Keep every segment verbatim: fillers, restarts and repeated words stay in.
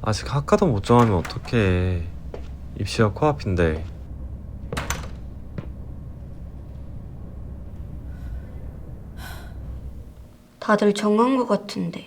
아직 학과도 못 정하면 어떡해. 입시가 코앞인데. 다들 정한 것 같은데.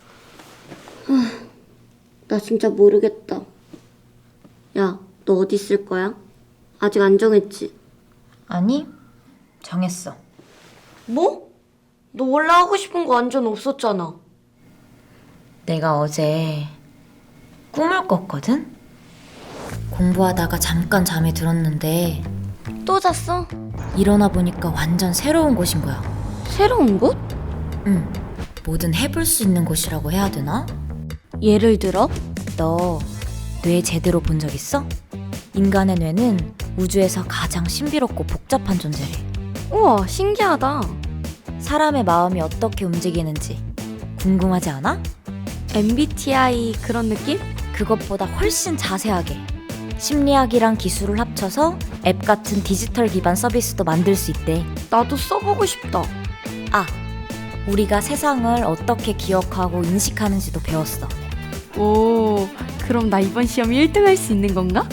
나 진짜 모르겠다. 야, 너 어디 있을 거야? 아직 안 정했지? 아니, 정했어. 뭐? 너 원래 하고 싶은 거 완전 없었잖아. 내가 어제 꿈을 꿨거든? 공부하다가 잠깐 잠이 들었는데 또 잤어? 일어나 보니까 완전 새로운 곳인 거야. 새로운 곳? 응, 뭐든 해볼 수 있는 곳이라고 해야 되나? 예를 들어? 너 뇌 제대로 본 적 있어? 인간의 뇌는 우주에서 가장 신비롭고 복잡한 존재래. 우와, 신기하다. 사람의 마음이 어떻게 움직이는지 궁금하지 않아? 엠비티아이 그런 느낌? 그것보다 훨씬 자세하게 심리학이랑 기술을 합쳐서 앱 같은 디지털 기반 서비스도 만들 수 있대. 나도 써보고 싶다. 아, 우리가 세상을 어떻게 기억하고 인식하는지도 배웠어. 오, 그럼 나 이번 시험 일 등 할 수 있는 건가?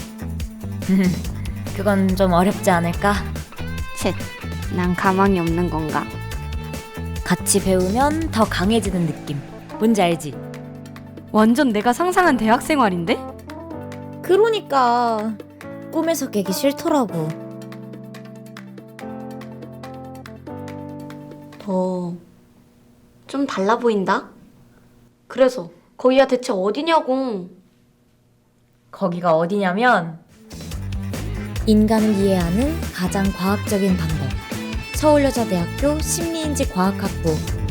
그건 좀 어렵지 않을까? 쳇, 난 가망이 없는 건가? 같이 배우면 더 강해지는 느낌. 뭔지 알지? 완전 내가 상상한 대학 생활인데? 그러니까 꿈에서 깨기 싫더라고. 더 좀 달라 보인다? 그래서 거기가 대체 어디냐고. 거기가 어디냐면 인간을 이해하는 가장 과학적인 방법. 서울여자대학교 심리인지 과학학부